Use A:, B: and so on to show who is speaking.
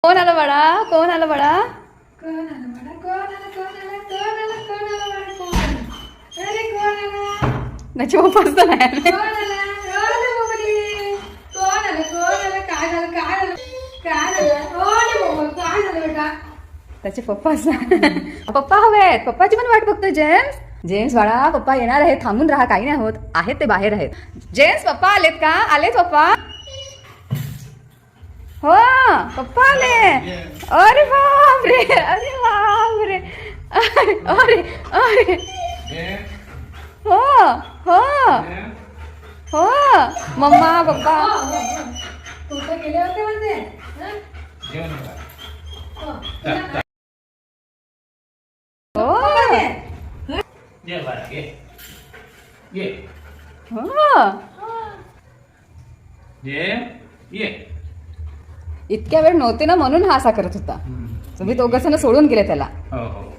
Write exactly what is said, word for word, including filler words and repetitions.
A: कोण आलं बाळा? कोण आलं बाळा?
B: कोण आलं बाळा? कोण आलं? कोण आलं? कोण आलं? कोण आलं बाळा? कोण आलं? अरे कोण आलं?
A: त्याची पप्पाच तर नाही आले.
B: कोण आलं? अरे बाबडी. कोण आलं? कोण आलं? काय झालं? काय झालं? काय झालं? अरे बाबा, काय झालं बेटा?
A: त्याचे पप्पाच नाही. पप्पा हवेत. पप्पाची पण वाट बघतोय जेम्स. जेम्स बाळा, पप्पा येणार आहेत. थांबून राहा, काही नाही होत. आहेत ते बाहेर आहेत. जेम्स, पप्पा आलेत का? आलेत पप्पा? हो, पप्पा आले. अरे बापरे, अरे बापरे, अरे अरे, हो हो हो, मम्मा पप्पा.
B: कुठं गेले होते म्हणजे? हं? हो.
A: हो
C: ये बाळा, ये. ये.
A: हो,
C: ये. ये.
A: इतक्या वेळ नव्हते ना म्हणून हा असा करत होता. तुम्ही दोघं जण सोडून गेले त्याला.
C: हो हो